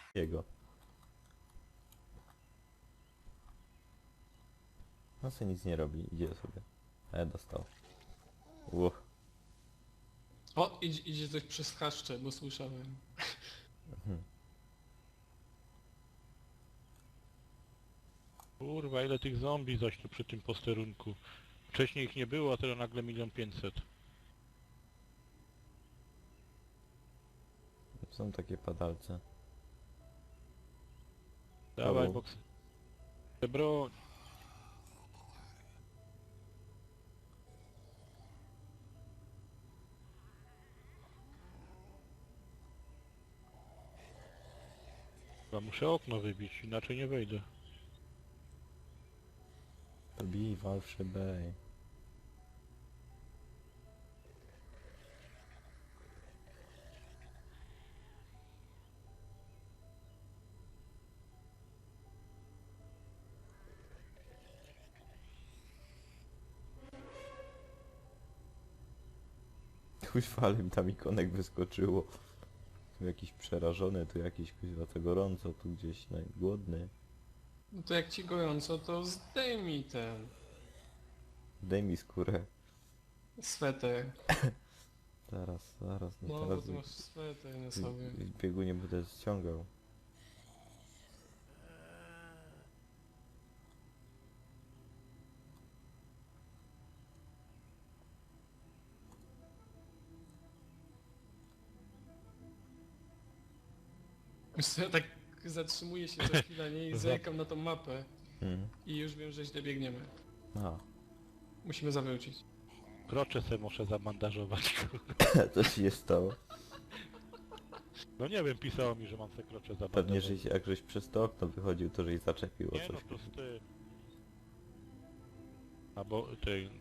Jego. No co nic nie robi, idzie sobie. Dostał. Uch. O, idzie coś przez chaszcze, bo słyszałem. Mhm. Kurwa, ile tych zombie zaś tu przy tym posterunku. Wcześniej ich nie było, a teraz nagle 1 500 000. Są takie padalce. Dawaj, O. boks. Te broń. Chyba muszę okno wybić, inaczej nie wejdę. Bij, wal w szybę. Kuźwa, ale mi tam ikonek wyskoczyło. Tu jakiś przerażony, tu jakiś kuźwa to gorąco, tu gdzieś głodny. No to jak ci gorąco, to zdejmij ten Daj mi skórę. sweter. Zaraz, zaraz, no No, bo teraz ty masz sweter na sobie. w biegu nie będę ściągał. Wiesz co, ja tak zatrzymuję się za chwilę, nie? I zerkam na tą mapę. Hmm. I już wiem, że źle biegniemy. A, Musimy zawrócić. Krocze se muszę zabandażować. co ci się stało? No nie wiem, pisało mi, że mam se krocze Pewnie, zabandażować. że jak żeś przez to okno wychodził, to żeś zaczepił o Nie no, coś. to z tym. Albo tej...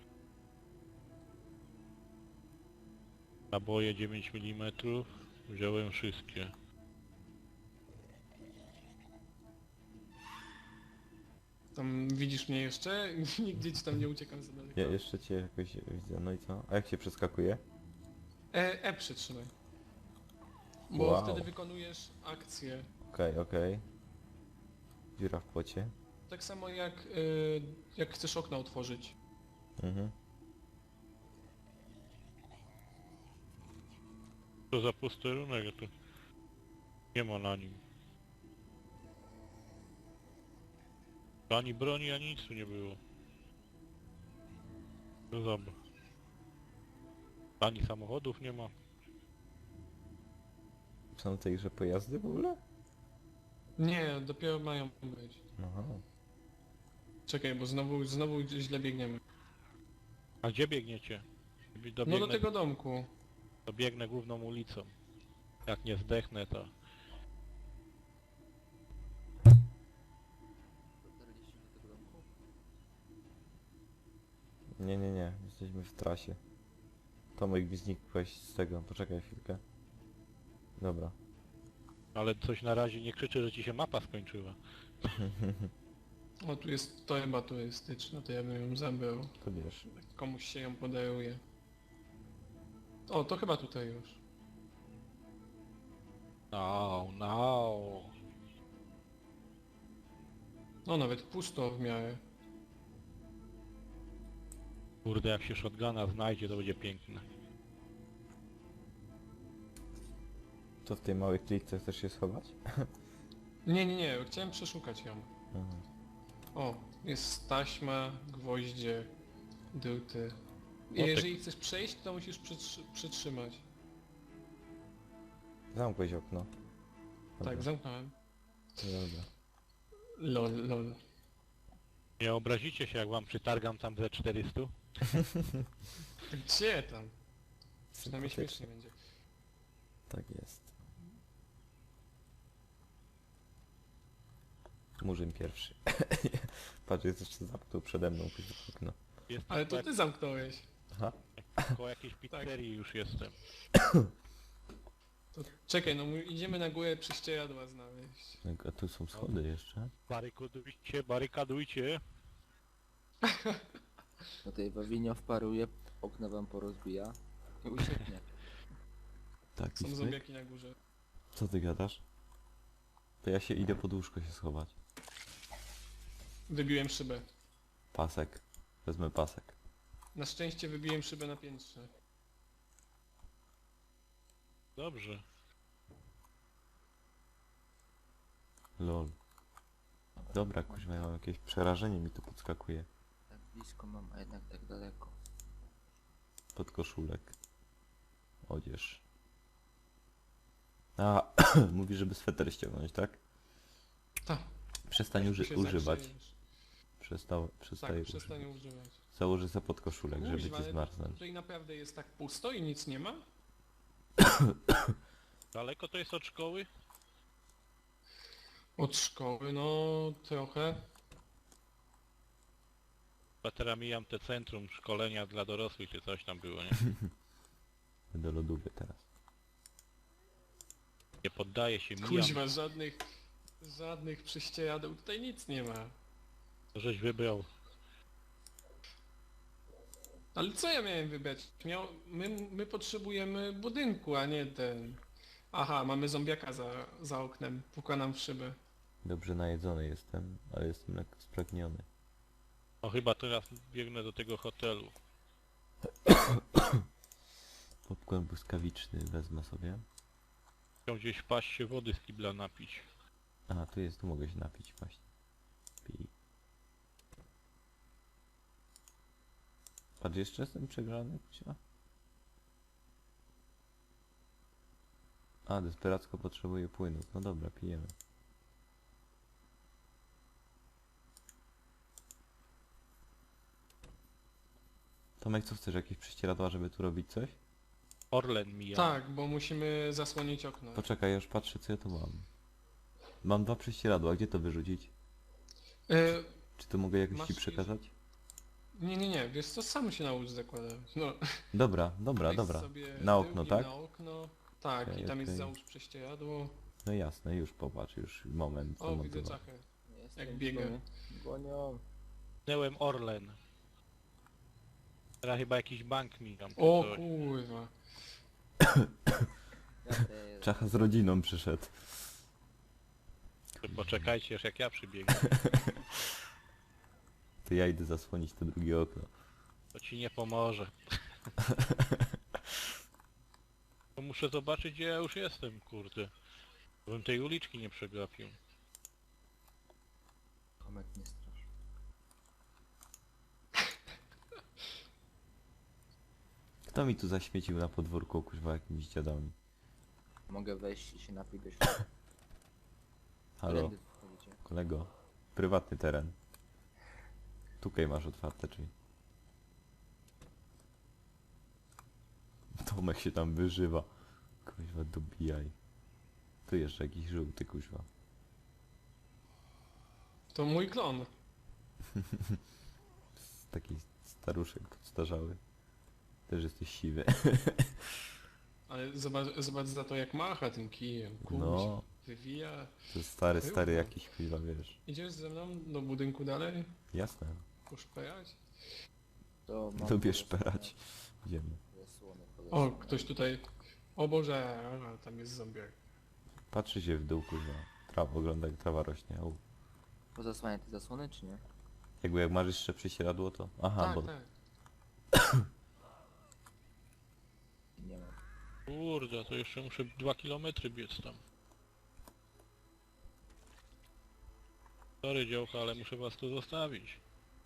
Naboje 9 mm. Wziąłem wszystkie. Tam widzisz mnie jeszcze? Nigdzie ci tam nie uciekam za daleko. Ja jeszcze cię jakoś widzę, no i co? A jak się przeskakuje? Przytrzymaj. Bo Wow. wtedy wykonujesz akcję. Okej, okej. Dziura w płocie. Tak samo jak chcesz okno otworzyć. Mhm. To za posterunek, to nie ma na nim. Ani broni, ani nic tu nie było. No zobacz. Ani samochodów nie ma. Są w tej grze pojazdy w ogóle? Nie, dopiero mają być. Aha. Czekaj, bo znowu źle biegniemy. A gdzie biegniecie? No Dobiegnę, do tego domku. dobiegnę główną ulicą. Jak nie zdechnę, to... Dotarliście do tego domku? Nie, nie, nie. Jesteśmy w trasie. Tomek mi znikłeś z tego. Poczekaj chwilkę. Dobra. Ale coś na razie nie krzyczy, że ci się mapa skończyła. O, tu jest torba turystyczna, to ja bym ją zabrał. To wiesz. Komuś się ją podaruje. O, to chyba tutaj już. No, no. No, nawet pusto w miarę. Kurde, jak się shotguna znajdzie, to będzie piękne. To w tej małej klitce chcesz się schować? Nie, chciałem przeszukać ją. Aha. O, jest taśma, gwoździe, druty. I tak. jeżeli chcesz przejść, to musisz przytrzymać. Zamkłeś okno. Dobra. Tak, zamknąłem. Dobra. Lol. Nie obrazicie się, jak wam przytargam tam ze 400? Gdzie tam? Przynajmniej Sympatycznie. śmiesznie będzie. Tak jest. Murzyn pierwszy. Patrz, jest jeszcze zamknął przede mną okno. Jest Ale to ty zamknąłeś. Aha. koło jakiejś pizzerii już jestem. To czekaj, no idziemy na górę prześcieradła znaleźć. A tu są schody jeszcze. Barykadujcie, barykadujcie. No tej Wawinio wparuje, okna wam porozbija i ucieknie. Tak, i Są słyk. zombiaki na górze. Co ty gadasz? To ja się idę pod łóżko się schować. Wybiłem szybę. Pasek. Wezmę pasek. Na szczęście wybiłem szybę na piętrze. Dobrze. Lol. Dobra, kuźwa, ja mam jakieś przerażenie, mi tu podskakuje. Tak blisko mam, a jednak tak daleko. Podkoszulek. Odzież. A, mówi, żeby sweter ściągnąć, tak? Tak. Przestań Tu się używać. zagrzejesz. Przestaję Tak, używać. przestań używać. Założę sobie podkoszulek, żeby Kuźwa, ci ale zmarznąć. tutaj naprawdę jest tak pusto i nic nie ma? Daleko to jest od szkoły? Od szkoły, no trochę. Chyba teraz mijam te centrum szkolenia dla dorosłych, czy coś tam było, nie? Do lodówy teraz. Nie poddaję się, mijam. Kuźwa, żadnych prześcieradeł, tutaj nic nie ma. To żeś wybrał. Ale co ja miałem wybrać? My potrzebujemy budynku, a nie ten... Aha, mamy zombiaka za oknem, puka nam w szybę. Dobrze najedzony jestem, ale jestem lekko spragniony. No chyba teraz biegnę do tego hotelu. Popcorn błyskawiczny wezmę sobie. Chciał gdzieś wpaść się wody z kibla napić. A, tu jest, tu mogę się napić właśnie. Pij. Patrz, jeszcze jestem przegrzany, kucia. A, desperacko potrzebuję płynów. No dobra, pijemy. Tomek, co chcesz? Jakieś prześcieradła, żeby tu robić coś? Orlen mija. Tak, bo musimy zasłonić okno. Poczekaj, ja już patrzę, co ja tu mam. Mam 2 prześcieradła, gdzie to wyrzucić? E, Czy to mogę jakoś Masz ci już- przekazać? nie, wiesz co, sam się naucz zakładać. No, Dobra, dobra, weź dobra. sobie Na okno, tyłkiem tak? Na okno. Tak, Okej, i tam jest okej. załóż prześcieradło. No jasne, już popatrz, już moment. O, widzę zamontowałem. czachę. Jestem biega. tu. Gonią. Minęłem Orlen. Teraz chyba jakiś bank mijam. czy O coś. kurwa. Ja też. Czacha z rodziną przyszedł. To poczekajcie, aż jak ja przybiegnę. To ja idę zasłonić to drugie okno. To ci nie pomoże. To muszę zobaczyć, gdzie ja już jestem, kurde. Bym tej uliczki nie przegapił. Tomek nie strasz. Kto mi tu zaśmiecił na podwórku, kuźwa, jakimiś dziadami? Mogę wejść i się napić do środka. Halo, Tędy wchodzicie. kolego. Prywatny teren. Tutaj masz otwarte drzwi. Tomek się tam wyżywa. Kuźwa, dobijaj. Tu jeszcze jakiś żółty, kuźwa. To mój klon. Taki staruszek podstarzały. Też jesteś siwy. Ale zobacz za to jak macha tym kijem. Kurwa. No, Wywija. to jest stary Chyba. jakiś, kuźwa, wiesz. Idziesz ze mną do budynku dalej? Jasne. Poszperać? To mam Lubię porozmawiać. szperać. Idziemy. Zasłony O, polecam. ktoś tutaj... O Boże, a, tam jest zombiak. Patrzy się w dół, kuźwa. Trawa, ogląda jak trawa rośnie. Au. Pozasłania te zasłony, czy nie? Jakby jak masz jeszcze prześcieradło, to... Aha, Tak, bo... tak. Nie mam. Kurde, to jeszcze muszę 2 kilometry biec tam. Sorry działka, ale muszę was tu zostawić.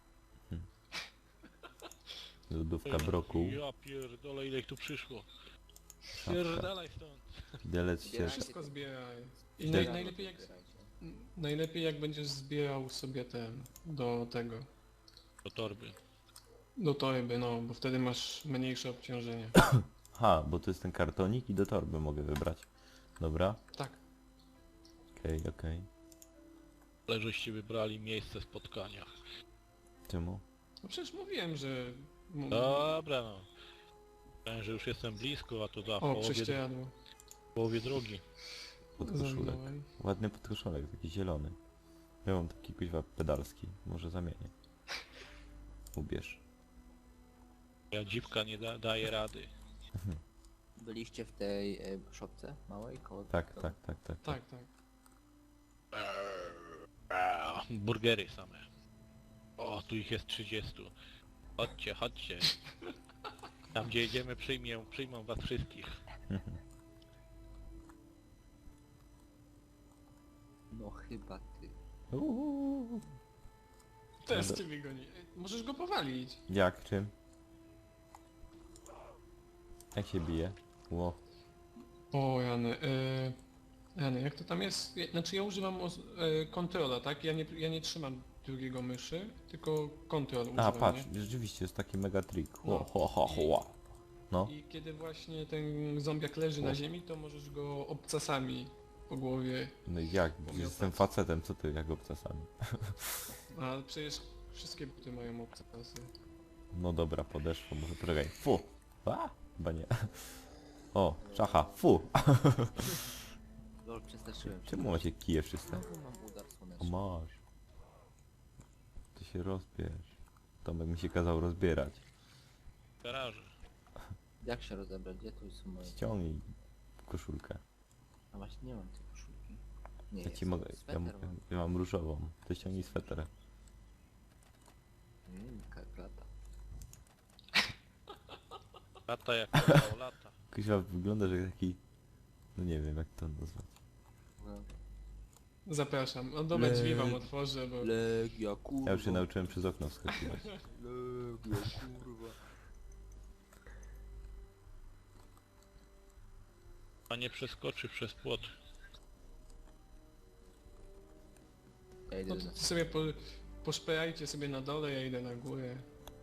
Lodówka brokuł. Ja pierdolę, ile ich tu przyszło. Szafka. Pierdalaj stąd. Widelec się... Zbierajcie Wszystko to. zbieraj. I Zbieraj. najlepiej jak będziesz zbierał sobie ten... do tego... Do torby. Do torby, no, bo wtedy masz mniejsze obciążenie. Ha, bo to jest ten kartonik i do torby mogę wybrać. Dobra, Tak. okej. Ale żeście wybrali miejsce spotkania. Czemu? No przecież mówiłem, że... Dobra no. Myślałem, że już jestem blisko, a to za O, prześcieradło. połowie drogi. Podkoszulek. Zamknąłem. Ładny podkoszulek, taki zielony. Ja mam taki kuźwa pedalski. Może zamienię. Ubierz. Ja dziwka nie daje rady. Byliście w tej szopce małej koło... Tak. Tak, tak. Burgery same. O, tu ich jest 30. Chodźcie, chodźcie. Tam gdzie jedziemy przyjmą was wszystkich. No chyba ty. Uuu. Też No ciebie goni. Możesz go powalić. Jak? Czym? Jak się bije? Ło. O, Jany, jak to tam jest? Znaczy ja używam kontrola, tak? Ja nie trzymam drugiego myszy, tylko kontrol A, używam, patrz, nie? rzeczywiście jest taki mega trik. No. No. I kiedy właśnie ten zombiak leży na ziemi, to możesz go obcasami po głowie. No i jak? Pomiotać. Jestem facetem, co ty jak obcasami? Ale przecież wszystkie buty mają obcasy. No dobra, podeszło, może poczekaj. Fu! A? Chyba nie. O, szacha, fu! Lol, przestraszyłem się. Czemu macie kije wszyscy? Znowu mam udar O, słoneczny. masz. Ty się rozbierz. Tomek mi się kazał rozbierać. W garażu. Jak się rozebrać? Gdzie tu są moje... Ściągnij koszulkę. A właśnie nie mam tej koszulki. Nie, Ja jest ci mogę, sweter mam. ja mam różową. Ty ściągnij sweter. Klata. Lata jak to lata. Kuźwa wygląda, że taki... No nie wiem jak to nazwać. No. Zapraszam. No dobra, drzwi wam otworzę, bo... Legia, kurwa. Ja już się nauczyłem przez okno wskakiwać. Legia, kurwa. A nie przeskoczy przez płot. Ja idę No to na... ty sobie poszperajcie sobie na dole, ja idę na górę.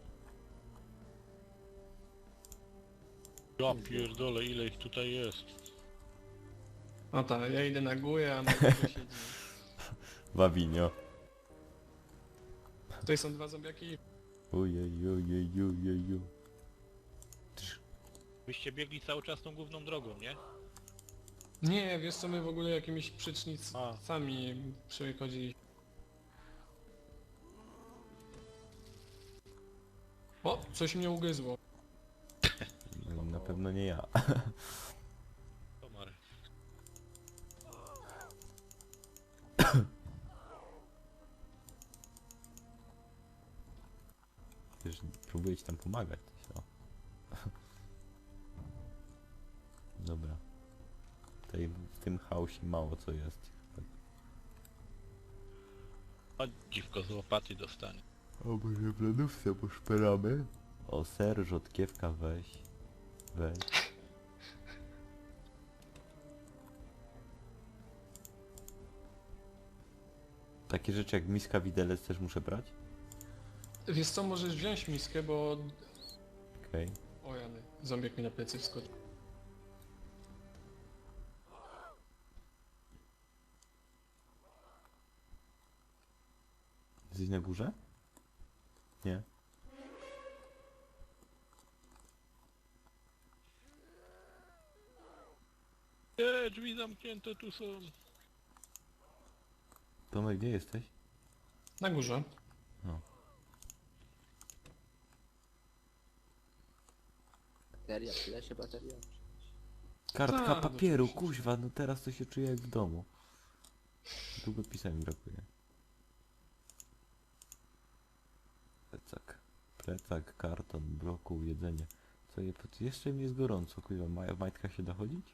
Ja pierdolę, ile ich tutaj jest. No tak, ja idę na górę, a na górze siedzi. Wawinio. Tutaj są dwa zombiaki. Ujejujejujeju. Byście biegli cały czas tą główną drogą, nie? Nie, wiesz co, my w ogóle jakimiś przecznicami przechodziliśmy. O, coś mnie ugryzło. No, na pewno nie ja. Komar. Wiesz, próbuję ci tam pomagać. O. Dobra. Tutaj w tym chaosie mało co jest. Chodź dziwko z łopaty dostanie. O, może w lodówce poszperamy? O, ser, rzodkiewka weź. Weź. Takie rzeczy jak miska, widelec też muszę brać? Wiesz co, możesz wziąć miskę, bo... Okej. O Jany, zombiak mi na plecy wskoczył. Jesteś na górze? Nie. Nie, drzwi zamknięte tu są. Tomek, gdzie jesteś? Na górze. Bateria, tyle się bateria. Kartka Tak, papieru, oczywiście. kuźwa, no teraz to się czuję jak w domu. Długopisa mi brakuje. Plecak, karton, brokuł, jedzenie. Co je, jeszcze mi jest gorąco, kuźwa, w majtkach się da chodzić?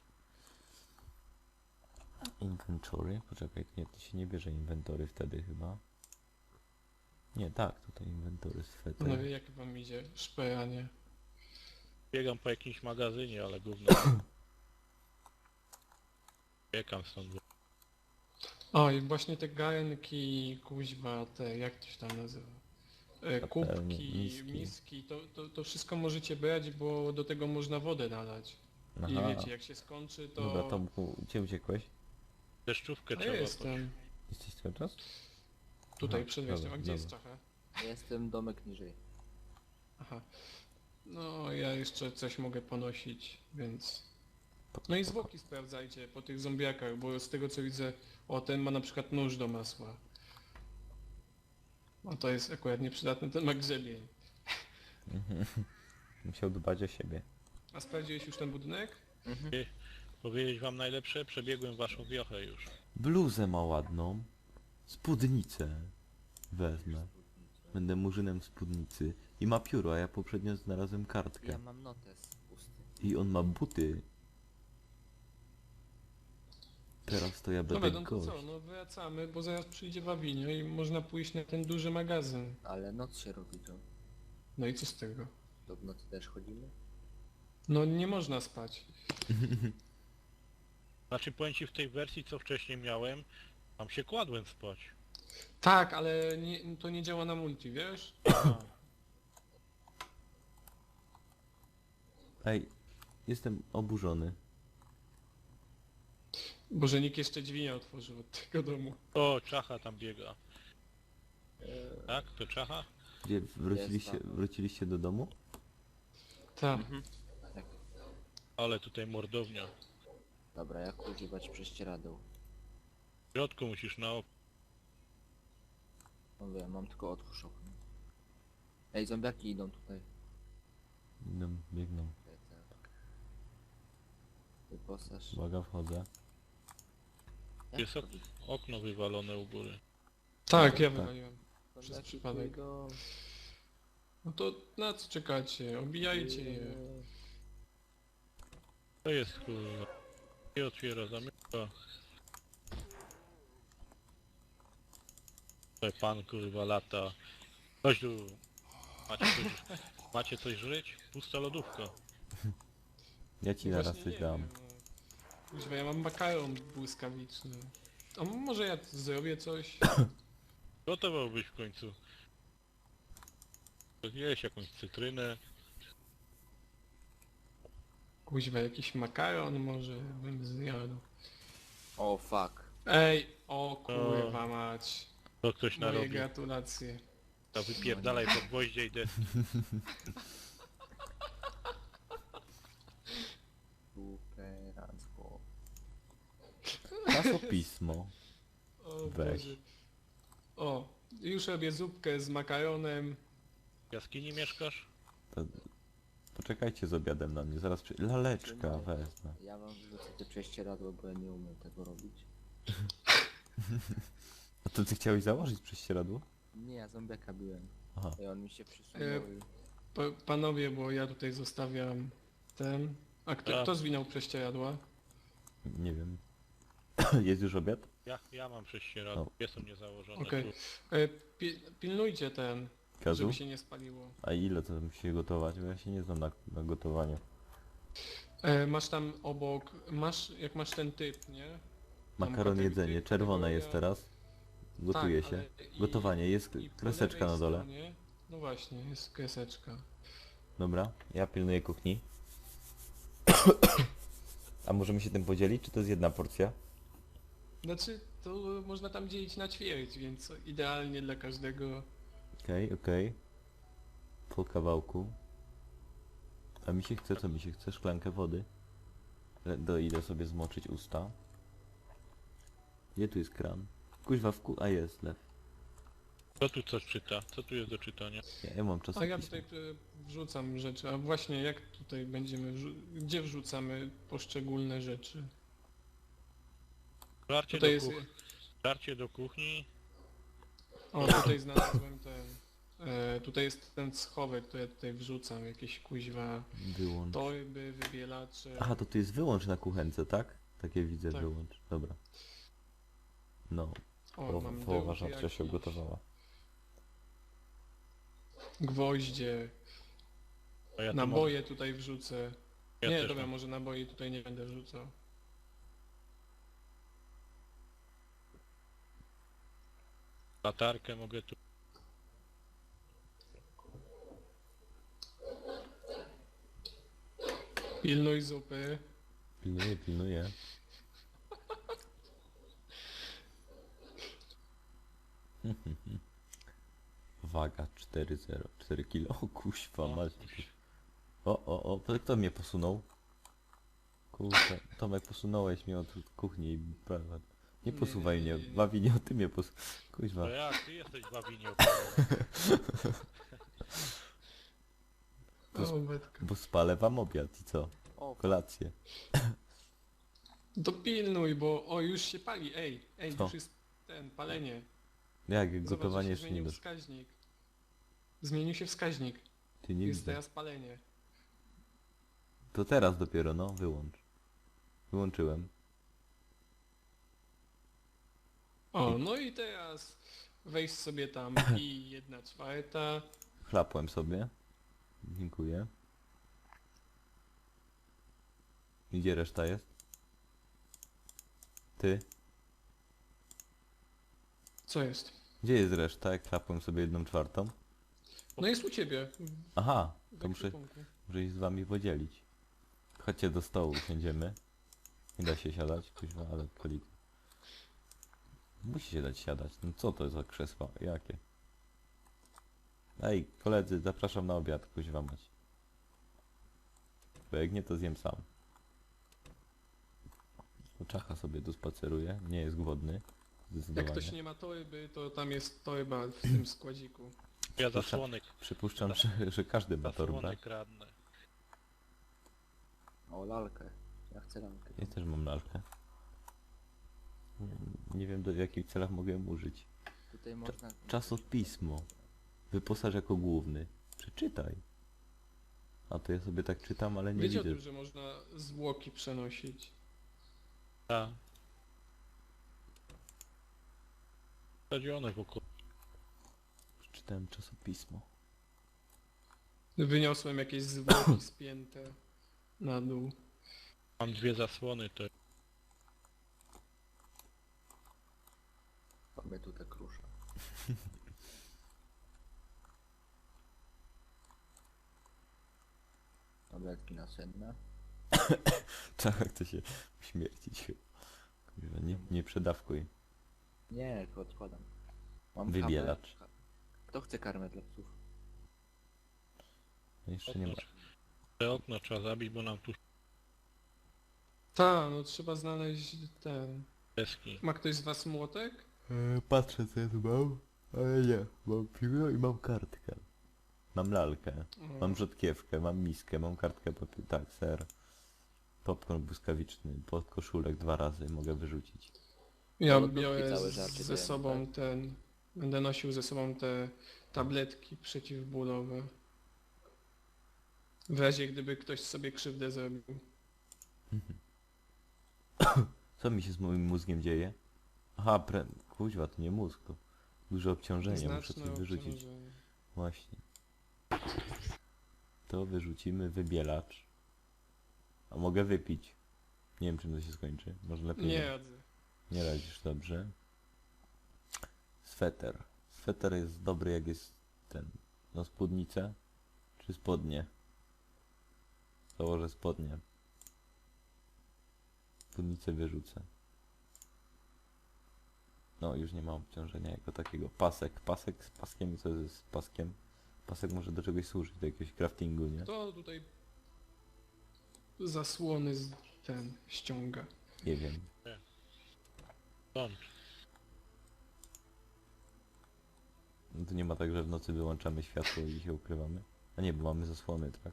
Inventory, poczekaj, nie, to się nie bierze inwentory wtedy chyba. Nie, tak, tutaj inwentory, sweter. No wie jak wam idzie szperanie. Biegam po jakimś magazynie, ale gówno. Biegam stąd. O i właśnie te garnki, kuźwa, te, jak to się tam nazywa? Patelnie, Kubki, miski. miski, to wszystko możecie brać, bo do tego można wodę nalać. I Aha, wiecie, jak się skończy, to... dobra, Tomku, gdzie uciekłeś? Deszczówkę A ja trzeba jestem Jesteś cały czas? tutaj Aha, przed wejściem. A dobra, gdzie jest dobra. Czacha? Jestem domek niżej. Aha. No, ja jeszcze coś mogę ponosić, więc... No i zwłoki sprawdzajcie po tych zombiakach, bo z tego co widzę, o ten ma na przykład nóż do masła. No to jest akurat nieprzydatny, ten ma grzebień. Musiał dbać o siebie. A sprawdziłeś już ten budynek? Powiedzieć wam najlepsze? Przebiegłem waszą wiochę już. Bluzę ma ładną. Spódnicę. Wezmę. Będę murzynem spódnicy. I ma pióro, a ja poprzednio znalazłem kartkę. Ja mam notes pusty. I on ma buty. Teraz to ja Dobra, będę no to gość. co, no wracamy, bo zaraz przyjdzie Wawinio i można pójść na ten duży magazyn. Ale noc się robi to. No i co z tego? To w nocy też chodzimy? No nie można spać. Znaczy powiem ci w tej wersji co wcześniej miałem, tam się kładłem spać. Tak, ale nie, to nie działa na multi, wiesz? A, Ej, jestem oburzony. Bo że nikt jeszcze drzwi nie otworzył od tego domu. o, czacha tam biega. Tak? To czacha? Gdzie wróciliście, Jest tam. wróciliście do domu? Tak. Tak. Ale tutaj mordownia. Dobra, jak używać prześcieradeł? W środku musisz na No wiem, mam tylko otwórz okno. Ej, zombiaki idą tutaj. No, biegną. Wyposaż. Uwaga, wchodzę. Jak Jest wchodzić? okno wywalone u góry. Tak, ja Tak. wywaliłem. Zombiaki przypadek. tu idą. No to na co czekacie? Obijajcie je. To jest kurwa. I otwiera, zamyka. Tutaj pan kurwa lata. Chodź tu. Macie coś żyć? Pusta lodówka. Ja ci No zaraz właśnie coś nie dam. wiem, no. Kuźwa, ja mam makaron błyskawiczny. A może ja zrobię coś? Gotowałbyś w końcu. Jeść jakąś cytrynę. Kuźwa, jakiś makaron może bym zjadł. O fuck. Ej, o kurwa mać. To ktoś Moje narobił. gratulacje. To wypierdalaj po gwoździe i deski. Superancko. Czasopismo. O Weź. Boże. O, już robię zupkę z makaronem. W jaskini mieszkasz? To... Poczekajcie z obiadem na mnie, zaraz laleczka wezmę. Ja wam wrzucę te prześcieradło, bo ja nie umiem tego robić. A to ty chciałeś założyć prześcieradło? Nie, ja zombiaka biłem. Aha. I on mi się przysunął i... Panowie, bo ja tutaj zostawiam ten... A kto, Tak. kto zwinął prześcieradła? Nie wiem. Jest już obiad? Ja mam prześcieradło. O. Jest u mnie założone. Okej. Tu. Pilnujcie ten, Kazu? żeby się nie spaliło. A ile to musi gotować? Bo ja się nie znam na gotowaniu. Masz tam obok... jak masz ten typ, nie? Tam Makaron kategoria- jedzenie, czerwone jest teraz. Gotuje Tak, się. ale i- Gotowanie, jest i po kreseczka lewej na dole. stronie- No właśnie, jest kreseczka. Dobra, ja pilnuję kuchni. A możemy się tym podzielić, czy to jest jedna porcja? Znaczy, to można tam dzielić na ćwierć, więc idealnie dla każdego. Okej, okej. Po kawałku. A mi się chce, co mi się chce? Szklankę wody. Idę sobie zmoczyć usta. Gdzie tu jest kran? Kuźwa a jest lew. Kto tu coś czyta? Co tu jest do czytania? Ja mam A czasopismo. ja tutaj wrzucam rzeczy, a właśnie jak tutaj będziemy, gdzie wrzucamy poszczególne rzeczy? Żarcie Tutaj do, jest, żarcie do kuchni. o tutaj znalazłem ten, tutaj jest ten schowek, to ja tutaj wrzucam jakieś kuźwa Wyłącz. torby, wybielacze. Aha, to tu jest wyłącz na kuchence, tak? Takie widzę, Tak. wyłącz. Dobra. No, O, mam połowa drugi żarcia się jakiś, ugotowała. gwoździe, A ja tu naboje tutaj wrzucę. Ja Nie, też dobra, mam. może naboje tutaj nie będę wrzucał. Latarkę mogę tu. Pilnuj zupy. Pilnuję, pilnuję. Waga 4,0. 4 kilo. O kuźwa, O, mać. O, kto mnie posunął? Kurczę, Tomek, posunąłeś mnie od kuchni i... Nie posuwaj mnie, nie. bawi nie o ty mnie Kuźwa. To jak ty jesteś bawinie To O, Betka. Bo spalę wam obiad i co? O, Kolację. Dopilnuj, bo o już się pali, ej, Co? już jest ten, palenie. Jak Zobacz, gotowanie że się jeszcze nie zmienił doszło. wskaźnik. Zmienił się wskaźnik. Ty nie Jest widzę. teraz palenie. To teraz dopiero, no, wyłącz. Wyłączyłem. O, no i teraz wejdź sobie tam i 1/4. Chlapłem sobie. Dziękuję. Gdzie reszta jest? Ty? Co jest? Gdzie jest reszta, jak chlapłem sobie 1/4? No jest u ciebie. Aha, W to muszę ekwipunku. się z wami podzielić. Chodźcie do stołu, usiądziemy. Nie da się siadać, kuźwa, ale kolik. Musi się dać siadać. No co to za krzesła? Jakie? Ej, koledzy, zapraszam na obiad, kuźwa mać. Bo jak nie, to zjem sam. Czacha sobie tu spaceruje, nie jest głodny. Jak Zdecydowanie. ktoś nie ma toryby, to tam jest toryba w tym składziku. Ja zasłonek, Przypuszczam, że każdy ma torbę. zasłonek radny. O, lalkę. Ja chcę lalkę. Ja też mam lalkę. Nie wiem, w jakich celach mogę ją użyć. Tutaj można... Czasopismo. Wyposaż jako główny. Przeczytaj. A to ja sobie tak czytam, ale nie Wiecie o widzę. tym, że można zwłoki przenosić? Tak. Stadzione wokół. Przeczytałem czasopismo. Wyniosłem jakieś zwłoki spięte na dół. Mam 2 zasłony, to Mamy tu tak rusza. Tabletki nasenne. Czacha chce się śmiercić chyba. Kurwa, nie przedawkuj. Nie, to odkładam. Mam Wybielacz. kawę. Kto chce karmę dla psów? No jeszcze nie ma. te okno trzeba zabić, bo nam tu Ta, no trzeba znaleźć ten... deski. Ma ktoś z was młotek? Patrzę co ja tu mam, ale nie. Mam piwo i mam kartkę. Mam lalkę. O, Mam rzodkiewkę, mam miskę, mam kartkę papieru, tak, ser. Popcorn błyskawiczny, podkoszulek 2 razy mogę wyrzucić. ja lodówki biorę całe żarcie ze dajemy, sobą tak? ten... Będę nosił ze sobą te tabletki przeciwbólowe. W razie gdyby ktoś sobie krzywdę zrobił. Co mi się z moim mózgiem dzieje? Aha, kuźwa, to nie mózg, to duże obciążenie, muszę Znaczne coś wyrzucić. obciążenie. Właśnie. To wyrzucimy, wybielacz. A mogę wypić. Nie wiem czym to się skończy, może lepiej Nie radzę. Nie radzisz dobrze. Sweter. Sweter jest dobry jak jest ten... No spódnicę? Czy spodnie? Założę spodnie. Spódnicę wyrzucę. No już nie ma obciążenia jako takiego. Pasek. Pasek z paskiem. Co jest z paskiem? Pasek może do czegoś służyć, do jakiegoś craftingu, nie? To tutaj zasłony z ten ściąga. Nie wiem. Stąd. No to nie ma tak, że w nocy wyłączamy światło i się ukrywamy. A nie, bo mamy zasłony, tak?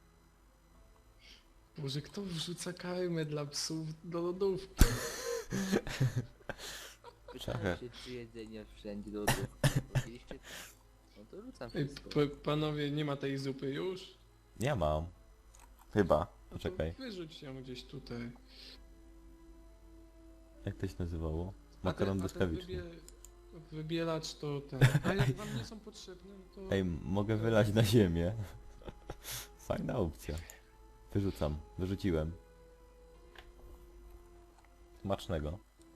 Boże, kto wrzuca karmę dla psów do lodówki? Czekaj. Pytałem się, czy jedzenie wszędzie do lodówki. Powiedzieliście tak. No to rzucam Ej, wszystko. panowie, nie ma tej zupy już? Ja mam. Chyba. No to Poczekaj. wyrzuć ją gdzieś tutaj. Jak to się nazywało? A Makaron ten błyskawiczny. wybielacz to ten. A jak wam nie są potrzebne, no to... Ej, mogę wylać na ziemię. Fajna opcja. Wyrzucam. Wyrzuciłem. Smacznego.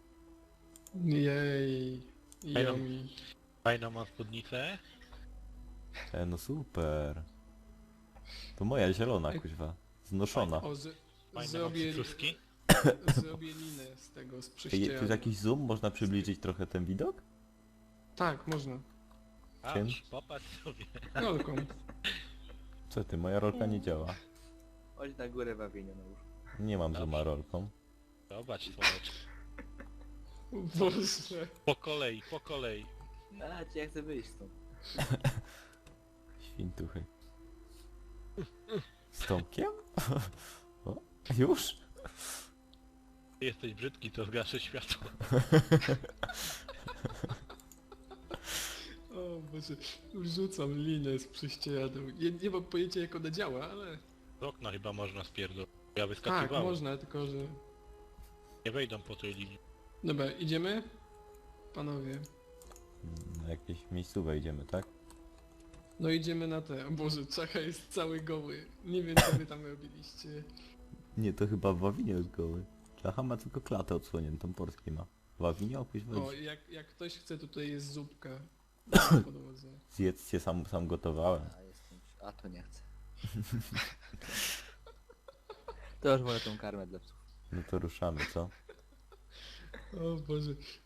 Jej. Yummy. Fajną mam spódnicę. No super. To moja zielona Ej. kuźwa. Znoszona. O, Fajne mam zrobię, cytruski. zrobię linę z tego, z Ej, tu prześcieradła. jest jakiś zoom? Można przybliżyć trochę ten widok? Tak, można. Czym? Aż, popatrz sobie. Rolką. Co ty, moja rolka nie działa. Chodź na górę wawienia na łóżku. Nie mam Dobrze. zooma rolką. Zobacz, słoneczko. Boże. Po kolei, po kolei. A, czy ja chcę wyjść stąd. Świntuchy. Z Tomkiem? O, już? Jesteś brzydki, to zgaszę światło. O Boże, już rzucam linę z prześcieradą. Nie mam pojęcia jak ona działa, ale... Z okna chyba można spierdolić. Ja Tak, wyskakiwałem. można, tylko że... Nie wejdą po tej linii. Dobra, idziemy? Panowie. Na jakieś miejscówę idziemy, tak? No idziemy na te. O Boże, Czacha jest cały goły. Nie wiem co wy tam robiliście. Nie, to chyba Wawinie jest goły. Czacha ma tylko klatę odsłoniętą, portki ma. Wawinie opuść O, wejdź. jak ktoś chce, tutaj jest zupka. Na podłodze. Zjedzcie, sam gotowałem. A jestem... A to nie chcę. To już wolę tą karmę dla psów. No to ruszamy, co? O Boże,